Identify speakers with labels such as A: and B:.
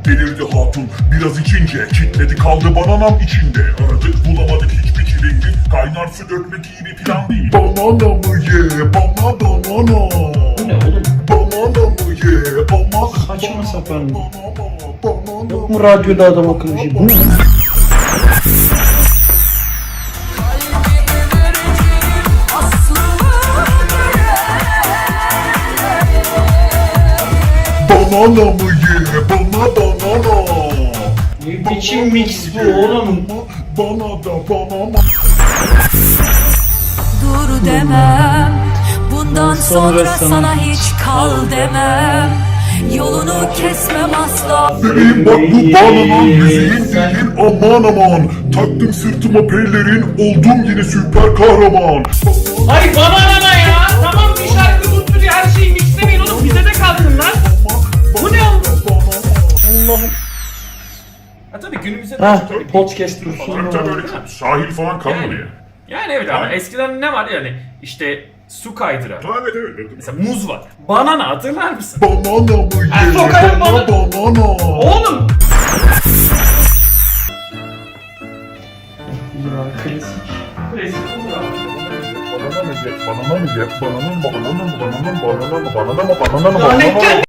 A: Delirdi hatun biraz içince, kitledi kaldı bananam içinde. Aradık bulamadık hiçbir çilengi, kaynar su dökmek iyi bir plan değil. Banana mı ye, banana.
B: Bu ne oğlum?
A: Banana mı ye, banana.
B: Saçma sapan.
A: Banana.
B: Yok mu radyoda adam akıllı şey? Bu ne?
A: Banana mı ye, banana.
B: Ne biçim mix bu oğlum?
A: Bana da banana.
C: Dur demem, bundan sonra sana hiç kal demem. Yolunu kesmem asla.
A: Bebeğim bak bu bananın müziğin değil aman aman. Taktım sırtıma pelerin, oldum yine süper kahraman.
D: Ay banana ya. Tamam bir şarkı tuttu diye her şeyi mixlemeyin oğlum. Bize de kalsın lan. Bu ne oldu?
B: Allah'ım.
D: Ha tabii günümüzde
B: Ha,
D: tabii
B: podcast dursun.
A: Tabii öyle çok sahil falan kalmadı ya.
D: Yani evet ama
A: Yani.
D: eskiden ne var yani işte su kaydıra.
A: Evet.
D: Mesela muz var. Banana hatırlar mısın?
A: Banana mı
D: Ha,
A: ye,
D: sokarım
A: banana.
D: Oğlum!
B: Ya klasik.
D: Klasik olur abi.
A: Banana mı ye, banana mı ye, banana mı, banana mı, banana mı, banana mı, banana mı, banana mı, banana mı, banana mı?